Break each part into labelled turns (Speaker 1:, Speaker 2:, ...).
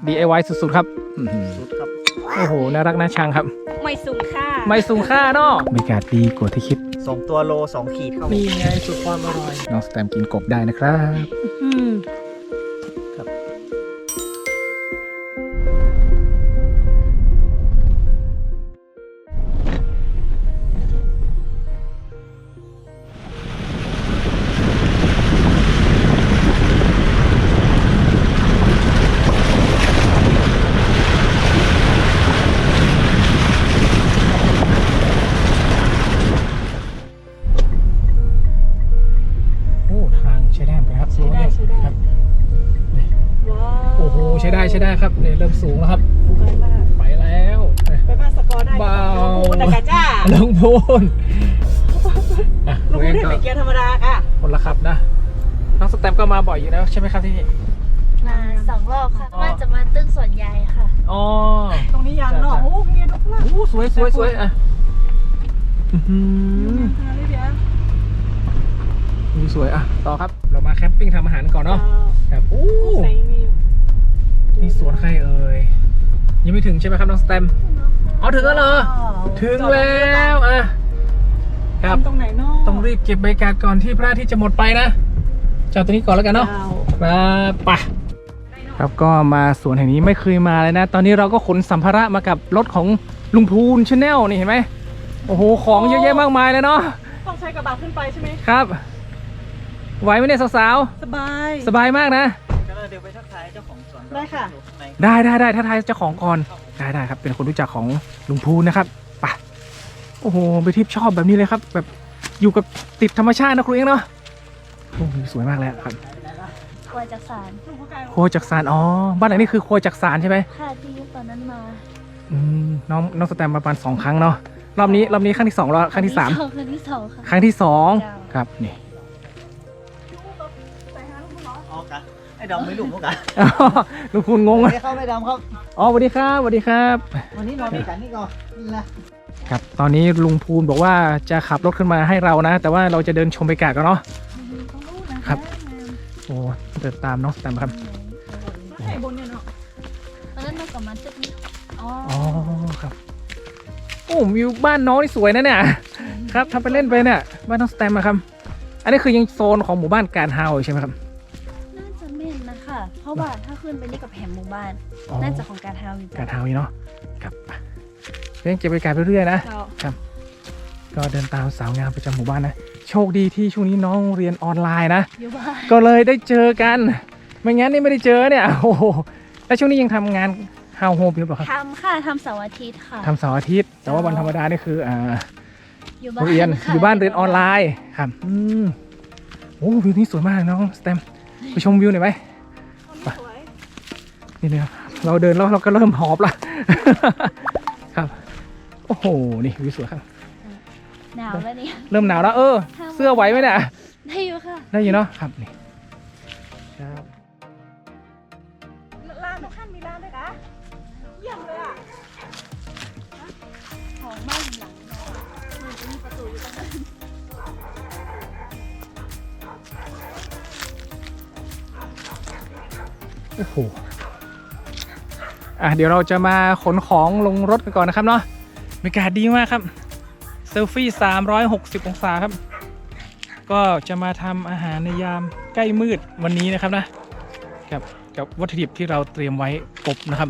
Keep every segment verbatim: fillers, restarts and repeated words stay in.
Speaker 1: ดี ไอ วาย สุดๆครับสุดครับโอ้โหน่ารักน่าชังครับ
Speaker 2: ไม่สูงค่า
Speaker 1: ไม่สูงค่าเนาะบรรยากาศดีกว่าที่คิด
Speaker 3: สองตัวโลสองขีดเข้า
Speaker 1: นี่ไงสุดความอร่อยน้องสแตมกินกบได้นะครับครับใช้ได้ใช้ได้ครับเนี่ยเริ่มสูงแล้วครับไปแล้ว
Speaker 2: ไปบ้านสกอร์ได้
Speaker 1: เบา
Speaker 2: ตะกะจ้า
Speaker 1: ลงพูน
Speaker 2: ลงพูนได้เป็นเกียร์ธรรมดาค่ะ
Speaker 1: คนละครับนะน้องสแตมก็มาบ่อยอยู่แล้วใช่ไหมครับที่นี่
Speaker 4: มาสองรอบค่ะว่าจะมาตึ้งส่วนใหญ่ค่ะ
Speaker 1: อ๋อ
Speaker 2: ตรงนี้ยังเนาะโอ้เมียทุกละ
Speaker 1: โอ้สวยสวยสวยอ่ะสวยอ่ะต่อครับเรามาแคมปิ้งทำอาหารก่อนเนาะครับโอ้นี่สวนใครเอ่ยยังไม่ถึงใช่ไหมครับน้องสแตมอ๋อถึงแล้วเหรอถึงแล้วอ่ะครับ
Speaker 2: ตรงไหนเนาะ
Speaker 1: ต้องรีบเก็บบรรยากาศก่อนที่พระอาทิตย์จะหมดไปนะจอดตรงนี้ก่อนแล้วกันเนาะมาป่ะครับก็มาสวนแห่งนี้ไม่เคยมาเลยนะตอนนี้เราก็ขนสัมภาระมากับรถของลุงพูนชาแนลนี่เห็นไหมโอ้โหของเยอะแยะมากมายเลยเนาะ
Speaker 2: ต้องใช้กระบะขึ้นไปใช่ไหม
Speaker 1: ครับไหวไหมเนี่ยสาว
Speaker 2: ๆสบาย
Speaker 1: สบายมากนะ
Speaker 3: เดี๋ยวไปทักทายเจ้าของสวน
Speaker 2: ได้ค่ะ
Speaker 1: ได้ได้ได้ทักทายเจ้าของก่อนได้ได้ครับเป็นคนรู้จักของลุงพูนนะครับไปโอ้โหไปทิพย์ชอบแบบนี้เลยครับแบบอยู่กับติดธรรมชาตินะครูเองเนาะโอ้โหสวยมากเลยครับ
Speaker 4: ครัวจักสาร
Speaker 1: ครัวจักสารอ๋อบ้านไหนนี่คือครัวจักสารใช่ไหม
Speaker 4: ค่ะที่ตอนนั้นมา
Speaker 1: อืมน้องน้องสแตมประมาณสองครั้งเนาะรอบนี้รอบนี้ครั้งที่สองรอบครั้งที่สาม
Speaker 4: ครั้งที่สองค่ะ
Speaker 1: ครั้งที่สองครับนี่
Speaker 3: ไอ้ดำไม่หลุมพวกกัน
Speaker 1: ลุงพูนงงไหม
Speaker 3: เข้าไม่ดำครับ
Speaker 1: อ๋อสวัสดีครับสวัสดีครับ
Speaker 3: วันนี้นอนด้วยกันนี่ก่อนนี่
Speaker 1: นะครับตอนนี้ลุงพูนบอกว่าจะขับรถขึ้นมาให้เรานะแต่ว่าเราจะเดินชมบรรยากาศกันเนาะครับโอ้เดินตามน้องสแตมครับ
Speaker 2: ใช่บนเนี่ยเนาะ
Speaker 4: ตอนนั้นเรากลับมาตึกนี้
Speaker 1: อ๋อครับโอ้วิวบ้านน้องนี่สวยนะเนี่ยครับทำไปเล่นไปเนี่ยบ้านน้องสแตมอะครับอันนี้คือยังโซนของหมู่บ้านการเฮาใช่ไหมครับ
Speaker 4: น่าจะแม่นนะคะเพราะว่าถ้าขึ้นไปนี่กับแผงหมู่บ้านน่าจะของการเฮาอยู่
Speaker 1: การเฮาเนาะครับเรื่องเก็บบรรยากาศไปเรื่อยๆนะ ครับก็เดินตามสาวงามประจำหมู่บ้านนะโชคดีที่ช่วงนี้น้องเรียนออนไลน์นะก็เลยได้เจอกันไม่งั้นนี่ไม่ได้เจอเนี่ยโอ้โหแล้วช่วงนี้ยังทำงานเฮาโฮมอยู่หรือเปล่าครับ
Speaker 4: ทำค่ะทำเสาร์อาทิตย์ค่ะ
Speaker 1: ทำเสาร์อาทิตย์แต่ว่าวันธรรมดานี่คืออ่าเรียนอยู่บ้านเรียนออนไลน์ครับอืมโอ้วิวนี้สวยมากน้องสแตมไปชมวิวหน่อยไหมนี่เนี่ยเราเดินแล้วเราก็เริ่มหอบละครับโอ้โหนี่วิวสวยครับ
Speaker 4: หนาวแล้วนี่
Speaker 1: เริ่มหนาวแล้วเออเสื้อไหวไหมเนี่ย
Speaker 4: ได้อยู่ค่ะ
Speaker 1: ได้อยู่เนาะครับนี่ครับ
Speaker 2: ร้านทุกท่านมีร้านด้วยนะเยี่ยมเลยอ่ะ
Speaker 4: ของบ้านหลังมันจะมีประตูอยู่ตรงนั้น
Speaker 1: โอ้โหอ่ะเดี๋ยวเราจะมาขนของลงรถกันก่อนนะครับเนาะบรรยากาศดีมากครับเซลฟี่สามร้อยหกสิบองศาครับก็จะมาทำอาหารในยามใกล้มืดวันนี้นะครับนะกับกับวัตถุดิบที่เราเตรียมไว้กบนะครับ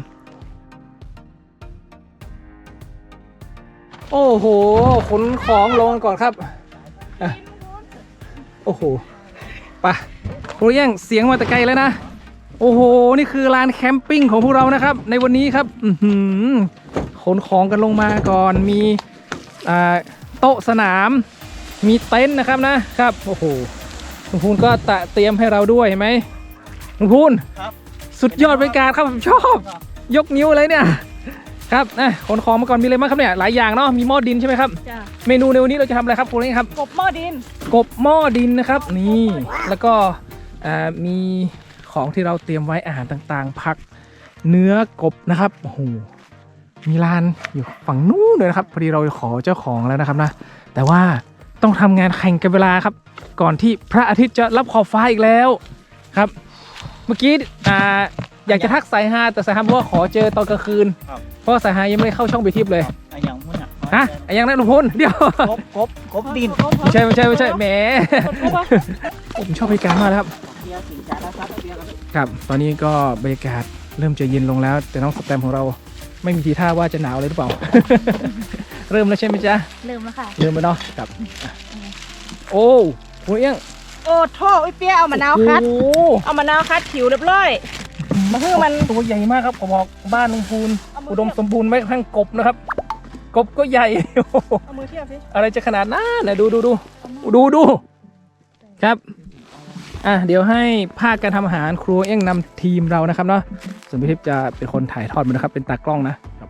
Speaker 1: โอ้โหขนของลงก่อนครับอ่ะโอ้โหไปโอ้ยยังเสียงมาแต่ไกลแล้วนะโอ้โหนี่คือลานแคมปิ้งของพวกเรานะครับในวันนี้ครับขนของกันลงมาก่อนมีโต๊ะสนามมีเต็นท์นะครับนะครับโอ้โหลุงพูนก็ตะเตรียมให้เราด้วยเห็นไหมลุงพูนสุดยอดบรรยากาศครับผมชอบยกนิ้วเลยเนี่ยครับนะขนของมาก่อนมีอะไรบ้างครับเนี่ยหลายอย่างเนาะมีหม้อดินใช่ไหมครับเมนูในวันนี้เราจะทำอะไรครับคุณนี่ครับ
Speaker 2: กบหม้อดิน
Speaker 1: กบหม้อดินนะครับนี่แล้วก็มีของที่เราเตรียมไว้อาหารต่างๆผักเนื้อกบนะครับโอ้โหมีร้านอยู่ฝั่งนู้นเลยนะครับพอดีเราขอเจ้าของแล้วนะครับนะแต่ว่าต้องทำงานแข่งกันเวลาครับก่อนที่พระอาทิตย์จะรับขอบฟ้าอีกแล้วครับเมื่อกี้อยากจะทักสายฮาแต่สายฮาบอกว่าขอเจอตอนกลางคืน
Speaker 3: ครับ
Speaker 1: เพราะว่าสายฮายังไม่ได้เข้าช่องไปทิพย์เลย
Speaker 3: ไอ้อย่างมุ่นอ่ะ
Speaker 1: ฮะไอ้ยังนั้นลุงพลเดี๋ยว
Speaker 3: กบกบกบดิน
Speaker 1: ไม่ใช่ไม่ใช่ไม่ใช่แหมผมชอบบรรยากาศมากเลยครับ
Speaker 3: เบียร์สิงจาแล้วครับเบียร์กัน
Speaker 1: ครับตอนนี้ก็บรรยากาศเริ่มจะเย็นลงแล้ว แต่น้องสแตมของเราไม่มีทีท่าว่าจะหนาวเลยหรือเปล่า เริ่มแล้วใช่ไหมจ๊ะ
Speaker 4: ลืมแล้วค่ะ
Speaker 1: เริ่มแล้วเนาะครับอ่ะโอ้โหเอี้ยง
Speaker 2: โอ้โทษไอ้เปี้ยเอามะนาวคัด
Speaker 1: โอ้โห
Speaker 2: เอามะนาวคัดผิวเรียบร้อยมาคือมัน
Speaker 1: ตัวใหญ่มากครับผมบอกบ้านลุงพูนอุดมสมบูรณ์ไม่กระทั่งกบนะครับ กบก็ใหญ่ โอ้โห
Speaker 2: เอามือเทียบสิ
Speaker 1: อะไรจะขนาดนั้นนะดูดูดูดูดูครับอ่ะเดี๋ยวให้ภาคการทำอาหารครัวเอี้ยงนำทีมเรานะครับเนาะส่วนพี่ทิพย์จะเป็นคนถ่ายทอดมันนะครับเป็นตากล้องนะครับ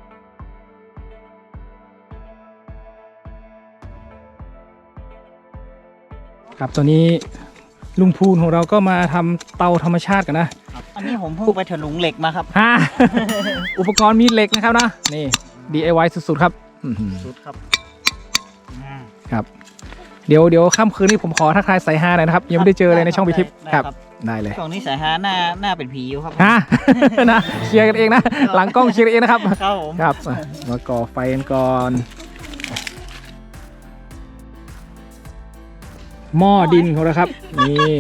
Speaker 1: ครับตอนนี้ลุงพูนของเราก็มาทำเตาธรรมชาติกันนะ
Speaker 3: อันนี้ผมเพิ่งไปถลุงเหล็กมาครับ
Speaker 1: ฮะ อุปกรณ์มีเหล็กนะครับนะนี่ ดี ไอ วาย สุดๆครับอื้อหือ
Speaker 3: สุดครับอืม
Speaker 1: ครับเดี๋ยวเดี๋ยวค่ำคืนนี้ผมขอทักทายสายฮาหน่อยนะครับยังไม่ได้เจอเลยในช่องพิทิพย์ครับได้เลย
Speaker 3: ช่วงนี้สายฮาหน้าหน้าเป็นผีอยู่ครับ
Speaker 1: ฮะ นะเคลียร์กันเองนะ หลังกล้องเคลียร์กันเองนะครับ
Speaker 3: ครับผม
Speaker 1: ครับอ่ะมาก่อไฟกันก่อนหม้อดินของเราครับนี่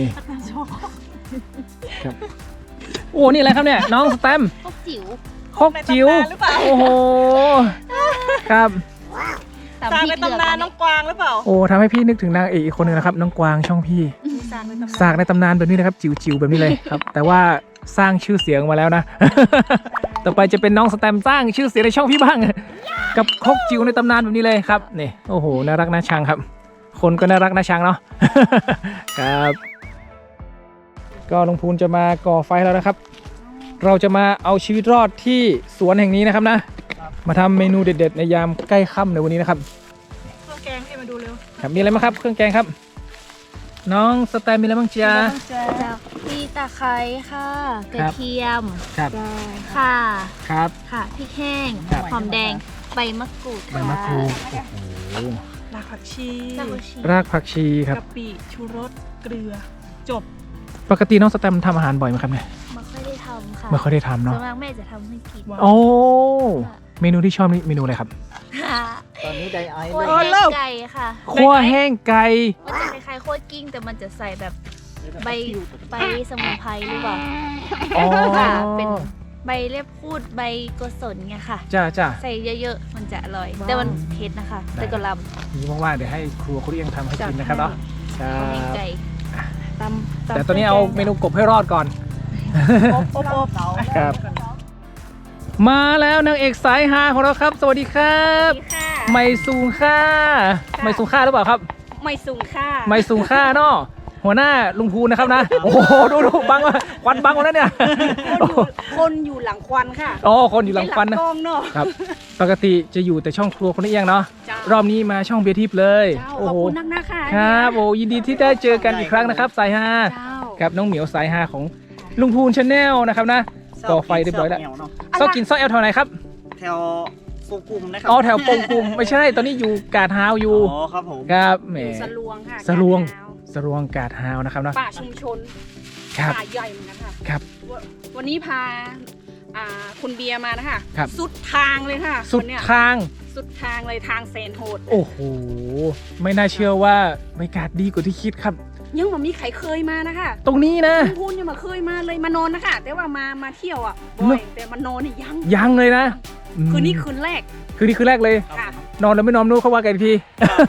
Speaker 1: ครับโอ้นี่อะไรครับเนี่ยน้องสแตม
Speaker 4: พวกจิ๋ว
Speaker 1: คกจิ๋วโอ้โหครับ
Speaker 4: ตาม
Speaker 2: สร้าง
Speaker 4: พริ
Speaker 2: ใน
Speaker 4: กเดือด
Speaker 2: ตำนานน้องกวางหรือเปล่า
Speaker 1: โอ้ทำให้พี่นึกถึงนางเอกอีกคนหนึงนะครับน้องกวางช่องพี่
Speaker 2: สร้างในตำนาน
Speaker 1: สากในตำนานแบบนี้นะครับจิ๋วๆแบบนี้เลยครับ แต่ว่าสร้างชื่อเสียงมาแล้วนะ ต่อไปจะเป็นน้องสแตมสร้างชื่อเสียงในช่องพี่บ้าง กับครกจิ๋วในตำนานแบบนี้เลยครับนี่โอ้โหน่ารักน่าชังครับ คนก็น่ารักน่าชังเนาะ ครับก็ลุงพูนจะมาก่อไฟแล้วนะครับ เราจะมาเอาชีวิตรอดที่สวนแห่งนี้นะครับนะมาทำเมนูเด็ด ๆ ในยามใกล้ค่ำในวันนี้นะครับ
Speaker 2: เครื่องแกงให้มาดูเร็ว
Speaker 1: ครับมีอะไรบ้างครับเครื่องแกงครับ น้องสแตมมีอะไรบ้างจ๊ะ
Speaker 4: จากพี่ตะไคร้ค่ะกระเทียม
Speaker 1: ครับ
Speaker 4: ค่ะ
Speaker 1: ครับ
Speaker 4: ค่ะพริกแห้ง
Speaker 1: ครับ
Speaker 4: หอมแดงใบมะกรูด
Speaker 1: ใบมะกรูดโอ้โห
Speaker 2: รากผักชี
Speaker 4: รากผักชี
Speaker 1: รากผักชีครับ
Speaker 2: กะปิชูรสเกลือจบ
Speaker 1: ปกติน้องสแตมทำอาหารบ่อยไหมครับเนี่ย
Speaker 4: ไม่ค่อยได้ทำค่ะ
Speaker 1: ไม่ค่อยได้ทำ
Speaker 4: ส่
Speaker 1: เนาะ
Speaker 4: วนมากแม่จะทำให้กิน
Speaker 1: โอ้เมนูที่ชอบนี่เมนูอะไรครับ
Speaker 4: ค่ะ
Speaker 3: ตอนนี้ไดไอ
Speaker 4: คั่ว
Speaker 3: เลย
Speaker 4: แห้งไก่ค่ะ
Speaker 1: คั่วแห้งไก่
Speaker 4: มันจะคล้ายๆคั่วกิ้งแต่มันจะใส่แบบใบใบสมุนไพรหรือเปล่า
Speaker 1: อ๋อ
Speaker 4: ค่ะเป็นใบเล็บพูดใบโกศลไงค่ะ
Speaker 1: จ้าจ้า
Speaker 4: ใส่เยอะๆ มันจะอร่อย แต่มันเผ็ดนะคะ แต่ก็ลำ
Speaker 1: นี่ว่างๆเดี๋ยวให้ครัวคุณเอียงทำให้กินนะครับเนาะครั
Speaker 4: คั่วแห้ง
Speaker 1: บ
Speaker 4: ไก่
Speaker 2: ตำ
Speaker 1: แต่ตอนนี้เอาเมนูกบให้รอดก่อน
Speaker 2: อบอบอบ
Speaker 1: ครับ มาแล้วนางเอกสายฮาของเราครับ สวัสดีครับ
Speaker 2: ค่ะ
Speaker 1: ไม่สูงค่าไม่สูงค่าหรือเปล่าครับ
Speaker 2: ไม่สูงค่ะ
Speaker 1: ไม่สูงค่าเนาะหัวหน้าลุงพูนนะครับนะ โอ้โหดูดูบังมาควันบังหมดแล้วเนี่ย
Speaker 2: คนอยู่คนอยู่หลังควันค่ะ
Speaker 1: อ๋อคนอยู่หลังควันนะ
Speaker 2: กล้องเนาะ
Speaker 1: ครับ ปกติจะอยู่แต่ช่องครัวคนนี้เองเนาะ
Speaker 2: จ้าร
Speaker 1: อบนี้มาช่องเบียร์ทิพย์เลย
Speaker 2: เจ้า
Speaker 1: โอ้
Speaker 2: ขอบ
Speaker 1: โห
Speaker 2: คุณนักนะคะ
Speaker 1: ครับโอ้ยินดีที่ได้เจอกันอีกครั้งนะครับสายฮา
Speaker 2: เจ้า
Speaker 1: กับน้องเหมียวสายฮาของลุงพูนชาแนลนะครับนะก่อไฟเรียบร้อยแล้ว
Speaker 3: เนาะ
Speaker 1: ซอกกินซอกแอลแถวไหนครับ
Speaker 3: แถวโกกุมนะครั
Speaker 1: อ๋อแถวปงกุมไม่ใช่ตอนนี้อยู่กาดฮาวอยู่
Speaker 3: อ๋อครับผม
Speaker 1: ครับแหม
Speaker 2: สลวงค่ะ
Speaker 1: สลวง
Speaker 2: กาด
Speaker 1: สรวงกาดฮาวนะครับเนาะ
Speaker 2: ป่าชุมชน
Speaker 1: ครับ
Speaker 2: ป่าใหญ่เหมือนกันค่ะ
Speaker 1: ครับ
Speaker 2: วันวันนี้พาอ่าคุณเบียร์มานะคะ
Speaker 1: ครับ
Speaker 2: สุดทางเลยค่ะ
Speaker 1: สุด
Speaker 2: วันเนี้ย
Speaker 1: ทาง
Speaker 2: สุดทางเลยทางแสนโหด
Speaker 1: โอ้โหไม่น่าเชื่อว่าบรรยากาศดีกว่าที่คิดครับ
Speaker 2: ยังบ่มีใครเคยมานะคะ
Speaker 1: ตรงนี้นะ
Speaker 2: คุณพูนยังมาเคยมาเลยมานอนนะคะแต่ว่ามามาเที่ยวอ่ะบ่
Speaker 1: เน
Speaker 2: อ
Speaker 1: อะ
Speaker 2: ยแต่มานอนนี่ยัง
Speaker 1: ยังเลยนะอืม
Speaker 2: คืนนี้คืนแรก
Speaker 1: คืนนี้คืนแรกเลย
Speaker 2: ค่ะ
Speaker 1: นอนแล้วไม่นอนนู้นเขาว่ากันอีกที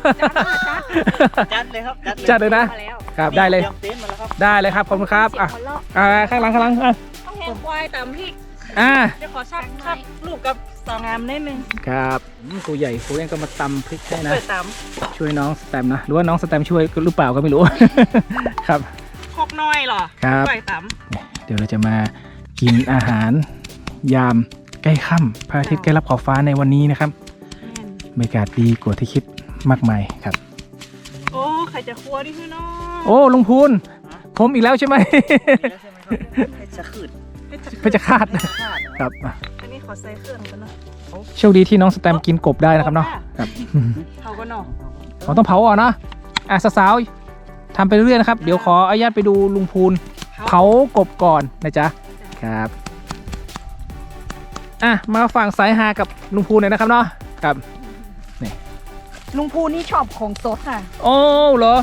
Speaker 2: จัดค่ะจัด
Speaker 3: จัดเลยครับ
Speaker 1: จัดเลยนะ
Speaker 2: มาแล้ว
Speaker 1: ครับได้เลย
Speaker 3: ตรีมเต็นท์มาแล้วครับ
Speaker 1: ได้เลยครับขอบคุณครับอ่ะ
Speaker 2: เสียงหัวเราะ
Speaker 1: อ่าข้างหลังข้างหลังอ่ะ
Speaker 2: ต้องแหงควายตามพริก
Speaker 1: อ่า
Speaker 2: เดี๋ยวขอชักชักลูกกับสาวงามนิดนึง
Speaker 1: ครับอืมครูใหญ่ครูเองก็มาตำพริกให้นะ
Speaker 2: เปิดตาม
Speaker 1: ช่วยน้องสแตมนะหรือว่าน้องสแตมช่วยหรือเปล่าก็ไม่รู้ ครับ
Speaker 2: คอกน้อยเหรอ
Speaker 1: ครับ
Speaker 2: ปล่อยตาม
Speaker 1: เดี๋ยวเราจะมากินอาหารยามใกล้ค่ำพระอาทิตย์ใกล้รับขอบฟ้าในวันนี้นะครับบรรยากาศดีกว่าที่คิดมากมายครับ
Speaker 2: โอ้ใครจะครัวนี่คือน้อง
Speaker 1: โอ้ลุงพูนผมอีกแล้วใช่ไหม
Speaker 3: แล้วใช่ไหมครับเพชรขืด
Speaker 1: เพชรฆาต
Speaker 3: เพชรฆาต
Speaker 1: ครับอ่ะ
Speaker 2: อันนี้ขอใส่เครื่องกันเนาะ
Speaker 1: โชคดีที่น้องสแตมกินกบได้นะครับเนาะครับ
Speaker 2: เขาก็เนาะ
Speaker 1: เราต้องเผาอ่อนนะอ่ะสาวๆทำไปเรื่อยๆนะครับ เดี๋ยวขออนุญาตไปดูลุงพูนเผากบก่อนนะจ๊ะครับอ่ะมาฝั่งสายฮากับลุงภูหน่อยนะครับเนาะครับ
Speaker 2: ลุงภูนี่ชอบของสดค่ะ
Speaker 1: โอ้เหรอ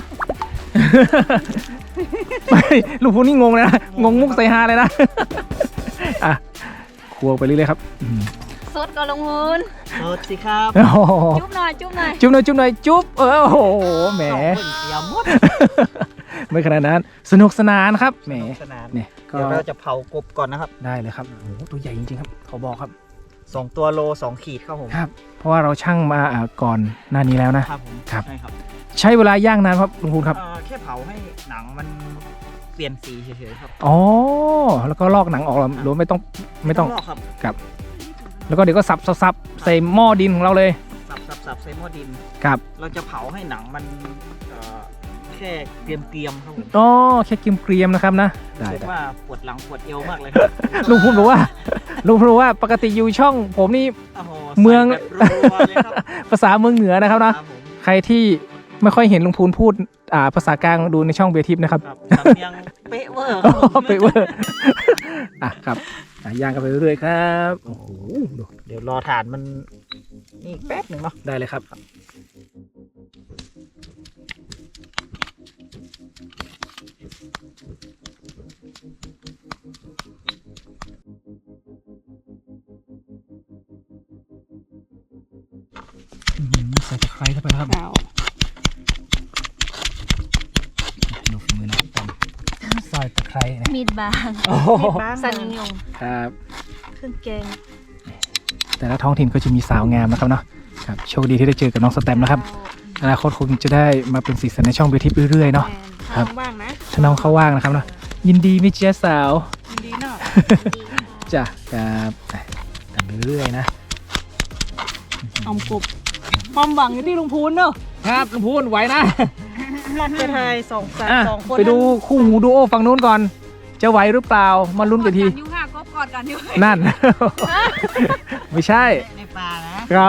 Speaker 1: ไม่ลุงภูนี่งงเลยนะงงมุกสายฮาเลยนะ อ่ะครัวไปเรื่อยๆครับอืม
Speaker 4: สดก็ลงมูล
Speaker 3: โทษสิครับ
Speaker 1: โอ้โห
Speaker 4: จุ๊บหน่อยจุ๊บหน่อย
Speaker 1: จุ๊บหน่อยจุ๊บหน่อยจุ๊บเออโอ้โหแหม
Speaker 3: สองคนเสียหมด
Speaker 1: ไม่ขนาดนั้นสนุกสนานครับแหม
Speaker 3: สนุกสนาน
Speaker 1: เนี่ยก็
Speaker 3: เดี๋ยวเราจะเผากบก่อนนะครับ
Speaker 1: ได้เลยครับโอ้โหตัวใหญ่จริงๆครับขอบอกครับ
Speaker 3: สองตัวโลสองขีดครับผม
Speaker 1: ครับ เพราะว่าเราชั่งมาอ่าก่อนหน้านี้แล้วนะครับ
Speaker 3: ผม
Speaker 1: ครับ
Speaker 3: ใช่ครับ
Speaker 1: ใช้เวลาย่างนานครับลุงพูนครับ
Speaker 3: เอ่อแค่เผาให้หนังมันเปลี่ยนสีเฉยๆครับ
Speaker 1: อ๋อแล้วก็ลอกหนังออกแล้วหรือว่าไม่ต้องไม่ต้อง
Speaker 3: ลอกครับ
Speaker 1: ครับ แล้วก็เดี๋ยวก็สับสับสับใส่หม้อดินของเราเลย
Speaker 3: สับสับสับใส่หม้อดิน
Speaker 1: ครับ
Speaker 3: เราจะเผาให้หนังมันเอ่อแค่เกรียมๆครับผม
Speaker 1: อ๋อแค่เกรียมๆนะครับนะได้
Speaker 3: รู้สึก
Speaker 1: ได้
Speaker 3: ว่าปวดหลังปวดเอวมากเลยครับ
Speaker 1: ลุงพูนบอกว่าลุงพูนบอกว่าปกติอยู่ช่องผมนี่
Speaker 3: โอ้โห
Speaker 1: เมือง
Speaker 3: ใส่แบบรัวๆเลยครับ
Speaker 1: ภาษาเมืองเหนือนะครับ
Speaker 3: ค
Speaker 1: นะ
Speaker 3: รับผม
Speaker 1: ใครที่ไม่ค่อยเห็นลุงพูนพูดอ่าภาษากลางดูในช่องเบทิปนะครับ
Speaker 3: ครับสำเนียงเป๊ะเวอร์ค
Speaker 1: อ๋
Speaker 3: รับผม
Speaker 1: อไปเวอร์อ่ะครับอ่ะย่างกันไปเรื่อยๆครับโอ้โหดู
Speaker 3: เดี๋ยวรอฐานมันนี่แป๊บหนึ่งเนาะ
Speaker 1: ได้เลยครับอื้อหือใส่ตะไคร้เข้าไปแล้วครับ
Speaker 2: เอา
Speaker 1: ดูฝีมือนะตำซอยตะไคร้นะ
Speaker 4: มีดบาง
Speaker 1: โอ้โห
Speaker 2: บ้าง
Speaker 4: สันยง
Speaker 1: ครับ
Speaker 4: เครื่องแกง
Speaker 1: แต่ละท้องถิ่นก็จะมีสาวงามนะครับเนาะครับโชคดีที่ได้เจอกับน้องสแตมนะครับอนาคตคงจะได้มาเป็นสีสันในช่องเบทิปเรื่อยๆเนาะ ครับ
Speaker 2: ทางบ้างนะ
Speaker 1: ถ้าน้องเขาว่างนะครับเนาะยินดีมิเจสาว
Speaker 2: ยินดีเนาะ
Speaker 1: จ้ะครับอ่ะทำไปเรื่อยๆนะ
Speaker 2: อมกบความหวังอยู่ที่ลุงพูนเนอะ
Speaker 1: ครับลุงพูนไหวนะ
Speaker 2: ไปไทยสองสาม
Speaker 1: อ่ะ
Speaker 2: สองคน
Speaker 1: ไปดูคู่หูดูโอฝั่งนู้นก่อน จะไหวหรือเปล่ามาลุ้นกันที
Speaker 2: ยูค่ะกบกอดกันอยู่
Speaker 1: นั่น ไม่ใช่
Speaker 3: ในป่านะครับ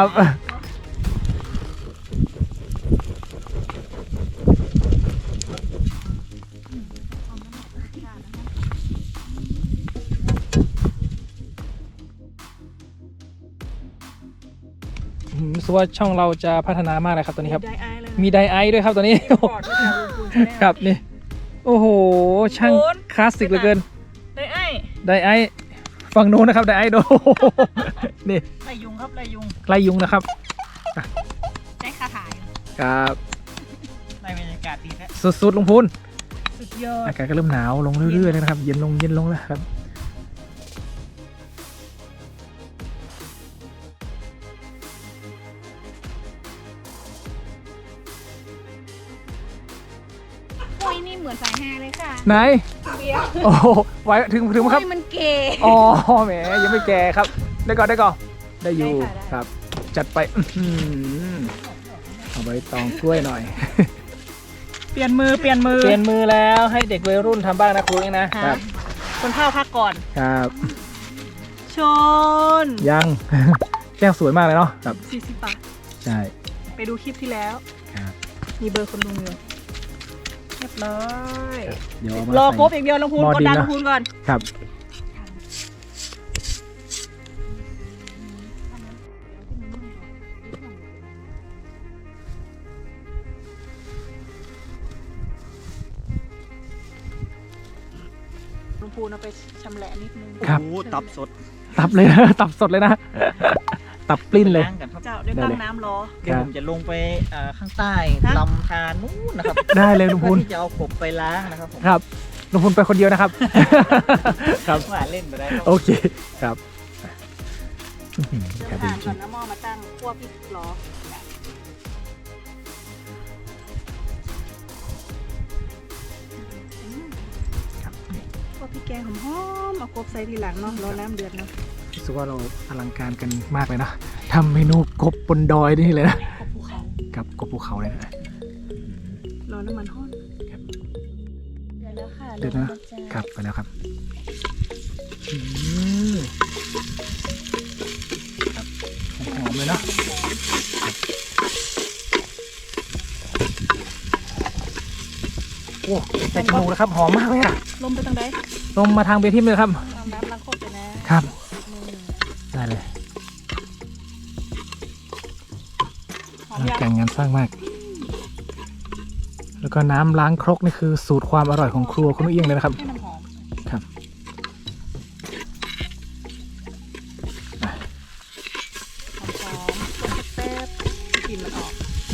Speaker 1: อืมรู้สึกว่าช่องเราจะพัฒนามากเลยครับตอนนี้ครับ
Speaker 2: ได้ไอายเลย
Speaker 1: มีไดไอซ์ด้วยครับตอนนี้
Speaker 2: กอดที่แถวลุงพูนใช่ไหม
Speaker 1: ครับนี่ โอ้โห ช่าง
Speaker 2: ลุงพูน
Speaker 1: คลาสสิกเหลือเกิน
Speaker 2: ได้ไอาย
Speaker 1: ไดไอซ์ฝั่งนู้นนะครับไดไอซ์โด นี่
Speaker 2: ไล่ยุงครับไล่ยุง
Speaker 1: ไล่ยุงนะครับ
Speaker 2: ได้คาถาย
Speaker 1: ครับ
Speaker 3: ในบรรยากาศดีแท้
Speaker 1: สุดๆลุงพูน
Speaker 2: สุดยอด
Speaker 1: อากาศก็เริ่มหนาวลงเรื่อยๆเลยนะครับ เย็นลงเย็นลงแล้วครับ
Speaker 4: โอ้ยนี่เหมือนสายแฮเลยค่ะ
Speaker 1: ไหน
Speaker 2: เบียร์
Speaker 1: โอ้โหไหวถึงถึงไหมครับ
Speaker 4: โอ้ยมันเก๋
Speaker 1: อ๋อแหมยังไม่แก่ครับ ได้ก่อนได้ก่อนได้อยู่
Speaker 4: ได้ค่ะได้
Speaker 1: ครับ จัดไปอื้อหือเอาใบตองกล้วยหน่อย
Speaker 2: เปลี่ยนมือเปลี่ยนมือ
Speaker 1: เปลี่ยนมือแล้วให้เด็กวัยรุ่นทำบ้างนะครูเองนะ
Speaker 2: ค่ะ
Speaker 1: ครับ
Speaker 2: คนเฒ่าพักก่อน
Speaker 1: ครับ
Speaker 2: ชน
Speaker 1: ยัง แก้วสวยมากเลยเนาะครับ
Speaker 2: สี่สิบบาท
Speaker 1: ใช่
Speaker 2: ไปดูคลิปที่แล้ว
Speaker 1: ครับ
Speaker 2: มีเบอร์คนลุงอยู่เรียบร้อย
Speaker 1: เดี๋ยวเอามาร
Speaker 2: อ
Speaker 1: ใส่
Speaker 2: ครบอีกเดียวลุงพูน
Speaker 1: หม้อก
Speaker 2: ดดัน
Speaker 1: ดินนะ
Speaker 2: ลุงพูนก่อน
Speaker 1: ครับ
Speaker 2: ลุงพูนเอาไปชำแหละนิดนึง
Speaker 1: ครับ
Speaker 3: โอ้โหตับสด
Speaker 1: ตับเลยนะ ตับสดเลยนะ ตับปลิ้นเลย
Speaker 3: ล้างกันครับ
Speaker 2: เจ้าได้ตั้งน้ำรอ
Speaker 3: เดี๋ยวผมจะลงไปเอ่อข้างใต้
Speaker 2: ฮะ
Speaker 3: ลำธารนู้นนะครับ
Speaker 1: ได้เลยลุงพูน
Speaker 3: เพื่อที่จะเอากบไปล้างนะครับผม
Speaker 1: ครับลุงพูนไปคนเดียวนะครับ ครับ
Speaker 3: ว่าเล่นไปได้ครับ
Speaker 1: โอเคครับอื้อหือ
Speaker 2: เดี๋ยว
Speaker 1: ครับ
Speaker 2: ทาน
Speaker 1: จ
Speaker 2: ก่
Speaker 1: ริ
Speaker 2: อน
Speaker 1: ง
Speaker 2: นะหม้อมาตั้งคั่วพริกรอคั่วพริกแกงหอมๆเอากบใส่ทีหลังเนาะรอน้ำเดือดเนาะ
Speaker 1: รู้สึกว่าเราอลังการกันมากเลยนะทำเมนูกบบนดอยนี่เลยนะ
Speaker 2: กบภูเขา
Speaker 1: กับกบภูเขาเลยนะ
Speaker 2: รอน้ำมันห้อน
Speaker 4: เดี๋ยวแล้วค่ะ
Speaker 1: เดี๋ยวนะ
Speaker 4: ลงาจ้า
Speaker 1: ครับไปแล้วครับอืมครับหอมๆเลยเนาะโอ้ใส่จมูกแล้วครับหอมมากเลยอะ
Speaker 2: ลมไปทางใด
Speaker 1: ลงมาทางเบทิมเลยครับ
Speaker 2: ตามน้ำล้างโคตรไปนะครับ
Speaker 1: ไปได้เลย
Speaker 2: หอมยัง
Speaker 1: แกงงานสร้างมาก แล้วก็น้ำล้างครกนี่คือสูตรความอร่อยของครัวคุณนุ้ยเอียงเลยนะครับ
Speaker 2: ให้มันหอม
Speaker 1: ครับ
Speaker 2: หอมหอมต้มแป๊บๆกลิ่นมันออก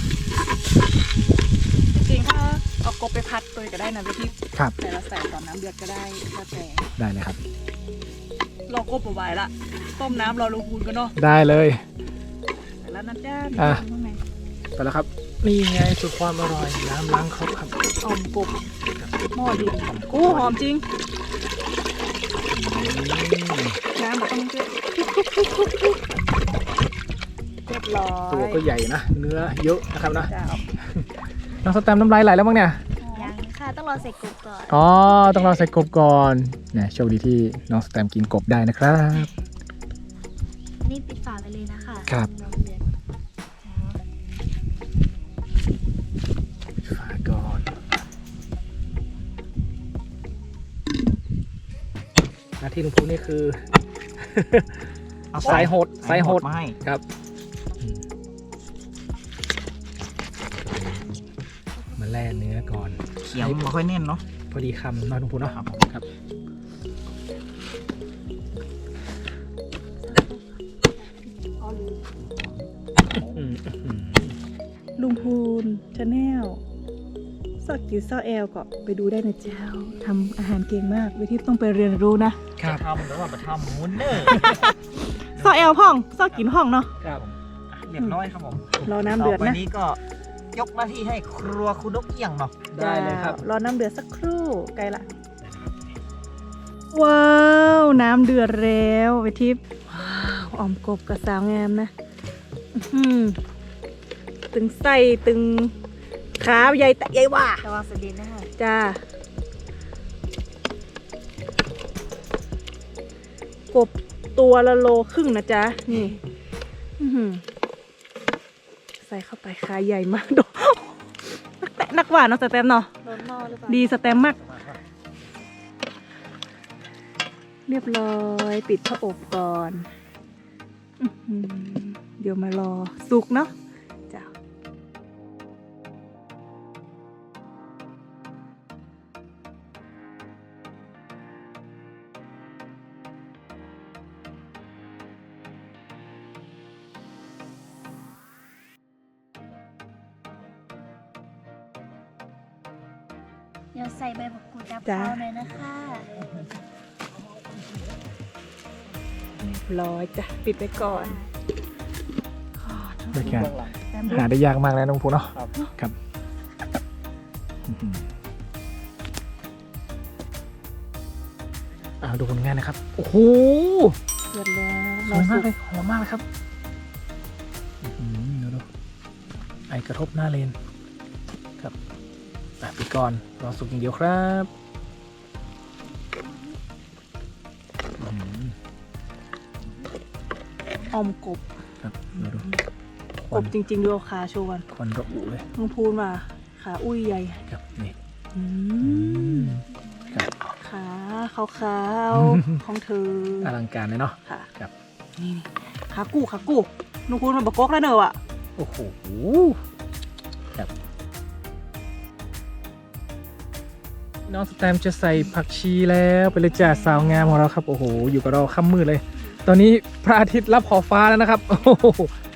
Speaker 2: จริงๆถ้าเอากบไปพัดตัวก็ได้นะพี่
Speaker 1: ครับ
Speaker 2: แต่เราใส่ตอนน้ำเดือดก็ได้แล้วแต่
Speaker 1: ได้เลยครับ
Speaker 2: รอกบเอาไว้ละต้มน้ำรอลงพูนกันเนาะ
Speaker 1: ได้เลย
Speaker 2: ใส่แล้วนะจ้า
Speaker 1: อ่ะ
Speaker 2: ข้างใน
Speaker 1: ไปแล้วครับ นี่ไงสูตรความอร่อยน้ำล้างครกครับ
Speaker 2: อ่อมกบหม้อดินอู้หอมจริง น้ำแบบต้องเยอะเรียบร้อย
Speaker 1: ตัวก็ใหญ่นะ เนื้อเยอะนะครับนะ
Speaker 2: จ้า
Speaker 1: น้องสแตมป์น้ำลายไหลแล้วมั้งเนี่ย
Speaker 4: ยังค่ะต้องรอใส่กบก่อน
Speaker 1: อ๋อ ต้องรอใส่กบก่อนเนี่ยโชคดีที่น้องสแตมป์กินกบได้นะครับ
Speaker 4: นี่ปิดฝาไปเลยนะคะ
Speaker 1: ครับ
Speaker 4: น้ำเดือด
Speaker 1: ปิดฝาก่อน หน้าที่ลุงพูนี่คือ
Speaker 3: เอา
Speaker 1: สายโหดสายโหด
Speaker 3: มาให้
Speaker 1: ครับมาแล่เนื้อก่อน
Speaker 3: เขียงไม่ค่อยแน่นเนาะ
Speaker 1: พอดีคำน้อยลุงพูเนาะ
Speaker 3: ครับ
Speaker 1: ครับ อืมอืม
Speaker 2: ลุงพูนชาแนลซอกกิวซอกแอลก็ไปดูได้นะเจ้าทำอาหารเก่งมากวิธีต้องไปเรียนรู้นะครับ
Speaker 3: ทำแล้วว่าไปทำมุนเนอร์
Speaker 2: ซอกแอลห้องซอกกินห้องเนาะ
Speaker 1: ครับ
Speaker 3: เรียบร้อยครับผม
Speaker 2: รอน้ำเดือด
Speaker 3: ต่อไป
Speaker 2: นะ
Speaker 3: นี้ก็ยกหน้าที่ให้ครัวคุณนกเอี้ยงเนาะ
Speaker 1: ได้เลยครับ
Speaker 2: รอน้ำเดือดสักครู่ไกลละ ว้าว น้ำเดือดแล้วไปทิพย์ว้าวอ่อมกบกับสาวงามนะอื้อหือตึงไส้ตึงขาใหญ่แต่ใหญ่ว่า
Speaker 4: ระวังสะดินนะคะ
Speaker 2: จ้า กบตัวละโลครึ่งนะจ๊ะ นี่อื้อหือใส่เข้าไปขาใหญ่มากโดนักแตะนักหวานเนาะสแตมเนาะ
Speaker 4: โดนหม้อหรือเปล่า
Speaker 2: ดีสแตมมาก เรียบร้อยปิดผ้าอบก่อนอื้อหือเดี๋ยวมารอสุกเนาะจ้า
Speaker 4: เดี๋ยวใส่ใบมะกรูดดับข้าวเลยนะคะ
Speaker 2: เรียบร้อยจ้ะปิดไปก่อน
Speaker 1: บรรยากาศ
Speaker 3: เบื้องหลัง
Speaker 2: แตมดู
Speaker 1: หาได้ยากมากแล้วน้องพูเนาะ
Speaker 3: ครับ
Speaker 1: ครับอื้อหืออ่าดูผลงานนะครับ โอ้โห
Speaker 2: เดือดแล้ว
Speaker 1: ส
Speaker 2: รอ
Speaker 1: วย
Speaker 2: สุ
Speaker 1: มาก
Speaker 2: ก
Speaker 1: เลยหอมมากเลยครับอื้อหือเดี๋ยวดูไอกระทบหน้าเลนครับอ่ะปิดก่อนรอสุกอย่างเดียวครับอื้อหือ
Speaker 2: ออมกบ
Speaker 1: ครับเดี๋ยวดูค
Speaker 2: ก
Speaker 1: วัน
Speaker 2: บจริงๆดูเอาขาโชว์กัน
Speaker 1: ควันระอุเลย
Speaker 2: ลุงพูนว่าขาอุ้ยใหญ่
Speaker 1: ครับนี่
Speaker 2: อื
Speaker 1: อื
Speaker 2: ม
Speaker 1: มครับ
Speaker 2: ขาขาวๆของเธอ
Speaker 1: อลังการเลยเนาะ
Speaker 2: ค่ะ
Speaker 1: ครับ
Speaker 2: นี่นี่ขากู้ขากู้ลุงพูนมันบกกกแล้วเนอะอ่ะ
Speaker 1: โอ้โหครับน้องสแตมป์จะใส่ผักชีแล้วไปเลยจ้าสาวงามของเราครับ โอ้โห อยู่กับเราค่ำมืดเลย ตอนนี้พระอาทิตย์รับขอบฟ้าแล้วนะครับ โอ้โห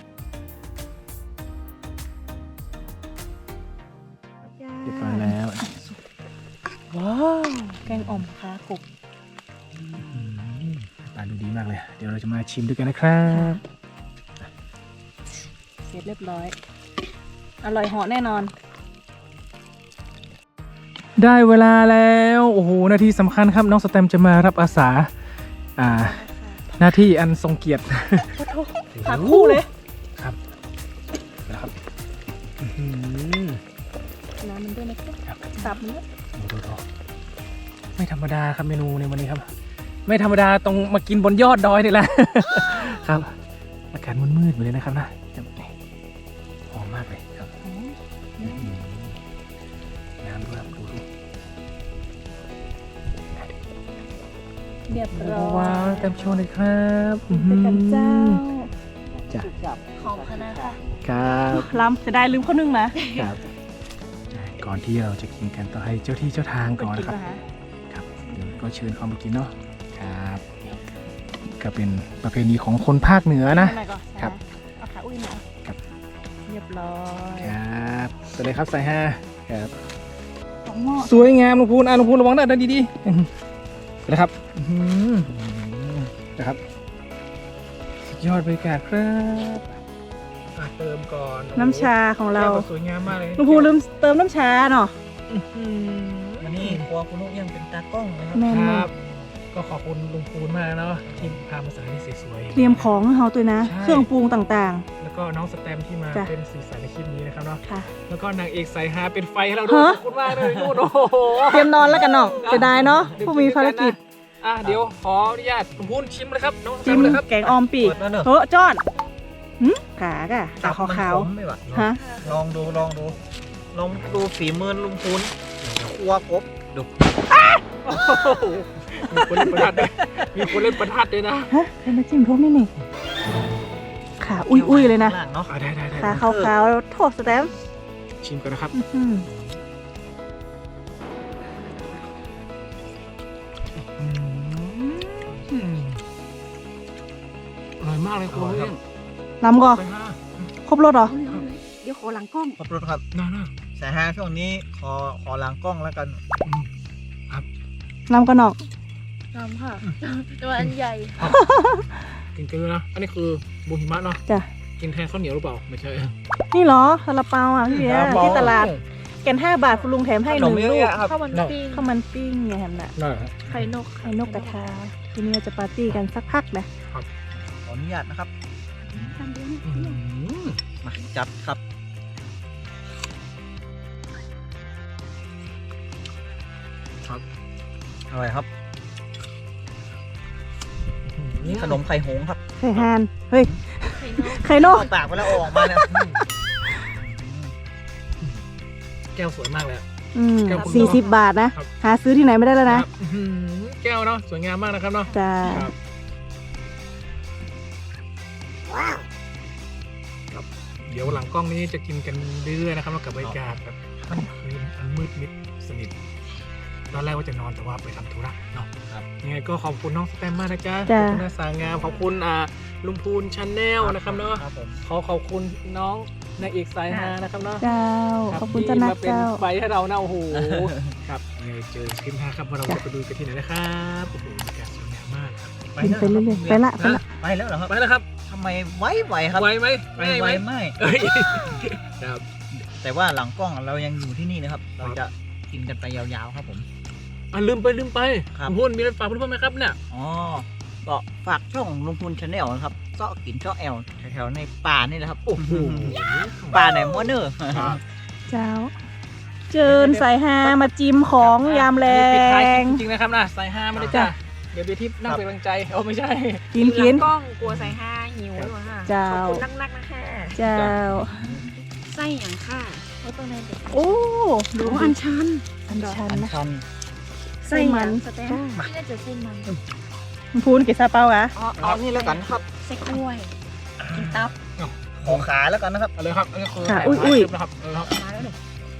Speaker 1: เรียบร้อยแล้ว
Speaker 2: ว้าวแกงอ่อมขากบ
Speaker 1: อืมตาดูดีมากเลย เดี๋ยวเราจะมาชิมด้วยกันนะครับ
Speaker 2: เสร็จเรียบร้อย อร่อยเหาะแน่นอน
Speaker 1: ได้เวลาแล้ว โอ้โห นาทีสำคัญครับ น้องสแตมป์จะมารับอาสา อ่า หน้าที่อันทรงเกียรติ
Speaker 2: ขาคู่เลย
Speaker 1: ครับนะครับอื้อหือ
Speaker 2: น้ำมันด้วยนะครับ
Speaker 1: ครับ
Speaker 2: สับมันด้วย
Speaker 1: ดูดูดูไม่ธรรมดาครับเมนูในวันนี้ครับ ไม่ธรรมดาตรงมากินบนยอดดอยนี่แหละ ครับอากาศมืดๆไปเลยนะครับนะครับนี่หอมมากเลยครับอื้อหือน้ำด้วยครับดูดู
Speaker 2: เรียบร้อย
Speaker 1: ว้าวเต็มโชว์เลยครับ
Speaker 2: ไปกันเจ้า
Speaker 1: จ้ะ
Speaker 4: หอมขนาดค่ะ
Speaker 1: ครับ
Speaker 2: ล้ำจะได้ลืมข้อนึงนะครับ
Speaker 1: ก่อนที่เราจะกินกันต้องให้เจ้าที่เจ้าทางก่อน
Speaker 2: กิ
Speaker 1: นะครับ
Speaker 2: ป่ะคะ
Speaker 1: ครับเดี๋ยวก็เชิญเข้ามากินเนาะครับก็เป็นประเพณีของคนภาคเหนือนะ
Speaker 2: เอาหน่อยก่อน
Speaker 1: ครับ
Speaker 2: เอาขาอุ้ยหน่อย
Speaker 1: ครับ
Speaker 2: เรียบร้อย
Speaker 1: ครับสวัสดีครับสายห้าครับ
Speaker 2: สองหม้อ
Speaker 1: สวยงามลุงพูนอ่ะลุงพูนระวังนะเดินดีๆอื้อหือไปเลยครับอื้อหือนะครับสุดยอดบรรยากาศครับอ่ะเติมก่อน
Speaker 2: น้ำชาของเรา
Speaker 1: แก้วก็สวยงามมากเลย
Speaker 2: ลุงพูลืมเติมน้ำชาเนาะ
Speaker 3: อันนี้ครัวคุณนุกยังเป็นตากล้องนะครับ
Speaker 2: แม่น
Speaker 1: ค
Speaker 2: มา
Speaker 1: รั
Speaker 2: ก
Speaker 1: บ ก็ขอบคุณลุงพูนมากเนาะที่พามาสถานที่สวยๆ
Speaker 2: เตรียมของให้เขาตัวนะ
Speaker 1: ใช่
Speaker 2: เครื่องปรุงต่าง
Speaker 1: แล้วก็น้องสแตมที่มา
Speaker 2: จ้ะ
Speaker 1: เป็นสีสันในคลิปนี้นะครับเนาะ
Speaker 2: ๆ ค่ะ
Speaker 1: แล้วก็นางเอกสายฮาเป็นไฟให้เราด้วย
Speaker 2: ฮะ
Speaker 1: ขอบคุณมากเลยนู่นโอ้โห
Speaker 2: เตรียมนอนแล้วกันเนาะจะได้เนาะผู้มีภารกิจ
Speaker 1: อ่ะเดี๋ยวขออนุญาตลุงพูนชิมเลยครับน้องสแต
Speaker 2: จิ้
Speaker 1: ม
Speaker 2: ม
Speaker 1: เลยครับ
Speaker 2: แกงออมปีก
Speaker 3: เปิดแล้วเนอะ
Speaker 2: เฮ้อจ้อนหืมขากะขาขาวขาว
Speaker 3: มันขมไหมวะ
Speaker 2: ๆฮะ
Speaker 3: ลองดูลองดู ลองดูฝีมือลุงพูนครัวกบดู
Speaker 1: มีคนเล่นประทัดด้วยมีคนเล่นประทัดด้วยนะ
Speaker 2: ฮะเป็นมาจิ้มทุกนี่นี่ขาอุ้ยๆเลยนะ
Speaker 3: ข้างล่างเนาะ
Speaker 1: อ่ะได้ได้ได้
Speaker 2: ขาขาวๆโทษสแตมป์
Speaker 1: ชิมกันนะครับ
Speaker 2: อื้อหือ
Speaker 1: อืมอร่อยมากเลยคุณ
Speaker 3: อร่อยครับ
Speaker 2: ล้ำก่อ
Speaker 1: ไปห้า
Speaker 2: ครบรสเหรอ
Speaker 4: เดี๋ยวขอหลังกล้อง
Speaker 3: ขอบคุณครับ
Speaker 1: น่าน่า
Speaker 3: สายห้าช่วงนี้ขอขอล้างกล้องแล้วกัน
Speaker 1: อืม
Speaker 2: ล้ำกันเนาะ
Speaker 4: ทำค่ะแต่ว่าอันใหญ่
Speaker 1: กินกันเลยนะ อันนี้คือบูหิมะเนาะ
Speaker 2: จ้ะ
Speaker 1: กินแทนข้าวเหนียวหรือเปล่า ไม่ใช่
Speaker 2: นี่เหรอซาลาเปาอ่ะพี่เบียร์ที่ตลาดแกนห้าบาทคุณลุงแถมให้หนึ่งลูก
Speaker 4: ข้าวมันปิ้ง
Speaker 2: ข้าวมันปิ้งไงแฮมน่ะ
Speaker 1: ได้
Speaker 4: ไข่นก
Speaker 2: ไข่นกกระทาทีนี้เราจะปาร์ตี้กันสักพักนะ
Speaker 3: ขออนุญาตนะครับ
Speaker 4: ทำเดียวนี่
Speaker 1: อืม
Speaker 3: มาจัดครับ
Speaker 1: ครับ
Speaker 3: อร่อยครับ
Speaker 1: อืม
Speaker 3: นี่ขนมไข่หงส์ครับ
Speaker 2: ไข่ฮานเฮ้ย
Speaker 4: ไข่นก
Speaker 2: ไข่นก
Speaker 3: เข้าปากไปแล้วเอาออกมาเนี่ย
Speaker 1: แก้วสวยมากเลยอะ
Speaker 2: อืม
Speaker 1: แก้วคุณ
Speaker 2: สี่
Speaker 1: ลุ
Speaker 2: สิบ
Speaker 1: ง
Speaker 2: บาทนะ
Speaker 1: ครับ
Speaker 2: หาซื้อที่ไหนไม่ได้แล้วนะ
Speaker 1: ครับอื้อหือแก้วเนาะ สวยงามมากนะครับเนาะ
Speaker 2: จ้า
Speaker 1: ครับครับ เดี๋ยวหลังกล้องนี้จะกินกันเรื่อยๆนะครับแล้วกับบรรยากาศแบบค่ำคืนอันมืดมิดสนิท ตอนแรกว่าจะนอนแต่ว่าไปทำธุระเนาะ
Speaker 3: ครับ
Speaker 1: ยังไงก็ขอบคุณน้องสแตมมากนะจ๊ะข
Speaker 2: จ้ะ
Speaker 1: อบคุณนาสางาม ขอบคุณอ่าลุงพูนชาแนลนะครับเนาะ
Speaker 3: ครับผม
Speaker 1: ขอขอบคุณน้องนางเอกสายฮานะครับเนาะ
Speaker 2: เจ้า
Speaker 1: รับ
Speaker 2: ขอบคุณ
Speaker 1: ที่
Speaker 2: เจ้านัก
Speaker 1: มาเป็น
Speaker 2: เจ้า
Speaker 1: ไฟให้เรานะโอ้โห ครับยังไงเจอคลิปหน้าครับว่าเราจะไปดูกันที่ไหนนะครับโอ้โหบรรยากาศสวยงามมากครับ
Speaker 2: กินไปเรื่อยๆไปละไปละ
Speaker 3: ไปแล้วเหรอครับ
Speaker 1: ไปแล้วครับ
Speaker 3: ทำไมไวไวครับ
Speaker 1: ไวไหม
Speaker 3: ไว
Speaker 1: ไม่
Speaker 3: ไว
Speaker 1: ไหม
Speaker 3: ไม่
Speaker 1: เอ้ยครับ
Speaker 3: แต่ว่าหลังกล้องเรายังอยู่ที่นี่นะครับ เรา
Speaker 1: ครับ
Speaker 3: จะกินกันไปยาวๆครับผม
Speaker 1: อ่ะลืมไปลืมไป
Speaker 3: ครับ
Speaker 1: ลุงพูนมีอะไรฝากเพื่อนๆไหมครับเนี่ย
Speaker 3: อ๋อ ก็ฝากช่องลุงพูนชาแนลนะครับเซาะกินเซาะแอลแถวๆในป่านี่แหละครับ
Speaker 1: โอ้โห
Speaker 3: ป่าไหนมัวเนอร์
Speaker 1: ครับ
Speaker 2: เจ้า เจิญสายฮามาจิ้มของยามแร
Speaker 1: ปิดท้ายคลิ
Speaker 2: ง
Speaker 1: ปจริงๆนะครับนะสายห้าไม่ได้จ้ะเดี๋ยวเบียร์ทิพย์นั่งเป็นกำลังใจโอ้ไม่ใช่
Speaker 2: กินกิน
Speaker 4: กล้องกลัวใส่ห้าหิวหรอค่ะ
Speaker 2: เจ้า
Speaker 4: ขอบคุณนักๆนะคะ
Speaker 2: เจ้า
Speaker 4: ไส้อย่างค่ะเพราะตรงนั้นเด็ก
Speaker 2: โอ้ ดู
Speaker 4: ดู
Speaker 2: อั
Speaker 4: อั
Speaker 2: น
Speaker 4: นชัน
Speaker 2: อันชัน
Speaker 3: อัน
Speaker 2: นะ
Speaker 3: ชัน
Speaker 2: ไส้มัน
Speaker 4: สเต็มที่น่าจะเส้นมัน
Speaker 2: พูนกี่ซาเปาอะ
Speaker 3: อ๋อเอานี่แล้วกันครับ
Speaker 4: ไส้กล้วย กินตับ
Speaker 3: ขอขาแล้วกันนะครับ
Speaker 1: เอาเลยครับอันนี้คือ
Speaker 2: ค่ะอุ้ยอุ้ย
Speaker 1: นะครับเอาเลยครับ
Speaker 4: มาแล้วเด็ก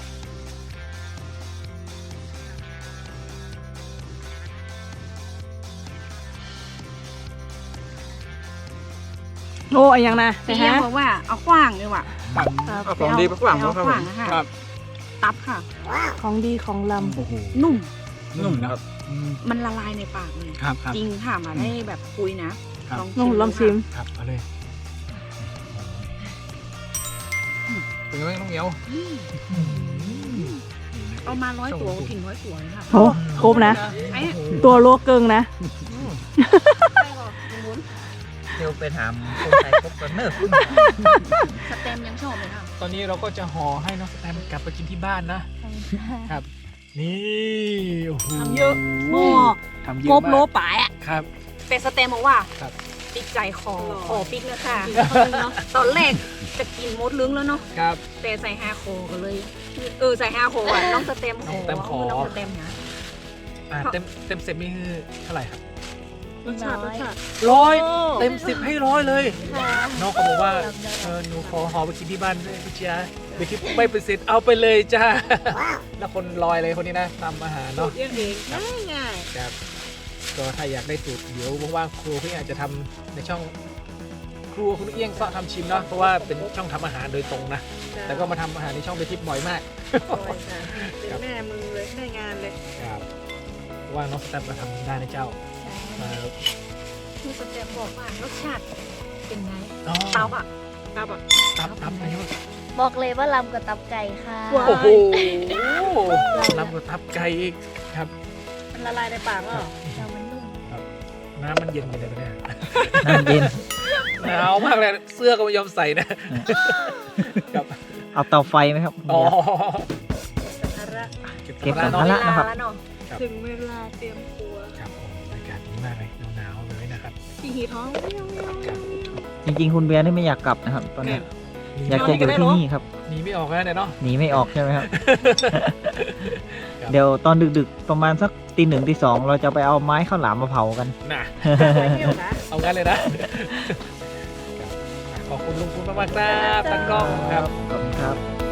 Speaker 2: โอ้ยยังนะ
Speaker 4: พี่
Speaker 2: สาย
Speaker 4: ยั
Speaker 2: ฮาง
Speaker 4: บอกว่าเอาขว้างเลยว่ะ
Speaker 1: เอาของดีไปฝรั่ง
Speaker 4: เอา
Speaker 1: ครับ
Speaker 4: ข
Speaker 1: ผ
Speaker 4: ว้าง
Speaker 1: ม
Speaker 4: นะคะ
Speaker 1: ครับ
Speaker 4: ตับค่ะ
Speaker 2: ของดีของล
Speaker 1: โอ้โห
Speaker 4: นุ่ม
Speaker 1: นุ่มนะครับ
Speaker 4: มันละลายในปากเลย
Speaker 1: ครับครับ
Speaker 4: จริงค่ะมาได้แบบคุยนะครับ
Speaker 2: ำนุ่มลองชิม
Speaker 1: ครับเอาเลยเป็นไงบ้างน้องเหมียว
Speaker 4: เอามาร้อยตัวถึงร้อยตัวเลยค่ะ
Speaker 2: โอ้ครบนะ
Speaker 4: ไอ้
Speaker 2: ตัวโลเกิงนะ
Speaker 4: ไม่หรอกคุณวุ้น
Speaker 3: เดี๋ยวไปถามคนไทยพบกันเนอร์
Speaker 4: สเต็มยังชอบเลยค่ะ
Speaker 1: ตอนนี้เราก็จะห่อให้น้องสแตมกลับไปกินที่บ้านนะ ครับ นี่โอ้โห
Speaker 4: ทำเยอะหม้อ
Speaker 1: ทำเยอะ
Speaker 4: กบโล
Speaker 1: มาก
Speaker 4: ป่ายอ่ะ
Speaker 1: ครับ
Speaker 4: แต่สเต็มบอกว่า
Speaker 1: ครับ
Speaker 4: ปิกใจคอคอปิกนะค่ะตอนแรกจะกินมดลึงแล้วเนาะ
Speaker 1: ครับ
Speaker 4: แต่ใส่ฮาโคก็เลย เออใส่ฮาโคอ่ะน้องสเต็มโค
Speaker 1: น้องสเต็มขอ
Speaker 4: น้องสเต็มนะ
Speaker 1: อ่าเต็มเต็มเสร็จนี่คือเท่าไหร่ครับ
Speaker 2: รสชาติรสชาติ
Speaker 1: ร้อย
Speaker 2: โอ้
Speaker 1: เต็มสิบให้ร้อยเลย
Speaker 4: ค่ะ
Speaker 1: น้องเขาบอกว่า
Speaker 4: รับได้
Speaker 1: เออหนูขอหอไปกินที่บ้านด้วยพี่จ้าเดี๋ยวที่ไม่เป็นเสร็จเอาไปเลยจ้า แล้วคนลอยเลยคนนี้นะทำอาหาร
Speaker 2: สู
Speaker 1: เนาะ
Speaker 2: ตรเองเองง่ายง่าย
Speaker 1: ครับก็ถ้าอยากได้สูตรเดี๋ยวว่างๆครูพี่อาจจะทำในช่องครัวคุณเอี้ยงเสาะทำชิมเนาะเพราะว่าเป็นช่องทำอาหารโดยตรงนะแต่ก็มาทำอาหารในช่องไปทิปบ่อยมาก
Speaker 2: เป็นแม่มือเลยแม่งานเลย
Speaker 1: ครับว่าน้องสแตมมาทำได้นะเจ้ามา
Speaker 4: คุณสเต็ปบอกว่ารสชาติเป็นไง
Speaker 1: อ๋อ
Speaker 2: ตับอ่ะตับอ่ะ
Speaker 1: ตับตับนะยศ
Speaker 4: บอกเลยว่าลำกับตับไก่ค่ะ
Speaker 2: ว้าว
Speaker 1: โอ้โหลำกับทับไก่อีกครับ
Speaker 2: มันละลายในปากแล้วเหรอ
Speaker 4: เรามันนุ่ม
Speaker 1: น้ำมันเย็นกันเลยเนี่ย
Speaker 3: น้ำเย็น
Speaker 1: หนาวมากเลยเสื้อก็ไม่ยอมใส่นะครับ
Speaker 3: เอาเตาไฟไหมครับ
Speaker 1: อ๋อ
Speaker 2: ภาระ
Speaker 3: เก็บ
Speaker 1: ภา
Speaker 3: ภา
Speaker 1: ระ
Speaker 3: ระ นะครับ
Speaker 2: แล้วเนาะ
Speaker 1: ครับ
Speaker 2: ถึงเวลาเตรียมครัว
Speaker 1: ครับผมบรรยากาศดีมากเลยหนาวๆเลยนะครับ
Speaker 2: ขี่หีท้องไม่เอาไม่เอาไม่เอา
Speaker 3: จริงๆ คุณเบียร์นี่ไม่อยากกลับนะครับ ตอนนี้ อยากจะอยู่ที่นี่ครับ
Speaker 1: หนีไม่ออกแล้วเนี่ยเนาะ
Speaker 3: หนีไม่ออกใช่ไหมครับ
Speaker 1: ครับ
Speaker 3: เดี๋ยวตอนดึกๆ ประมาณสักตีหนึ่งตีสองเราจะไปเอาไม้ข้าวหลามมาเผากัน
Speaker 1: น่ะ
Speaker 2: ไปเที่ยวนะ
Speaker 1: เอางั้นเลยนะ ครับขอบคุณลุงคุณมากๆครับตั้งกล้องครับ
Speaker 3: ขอบคุณครับ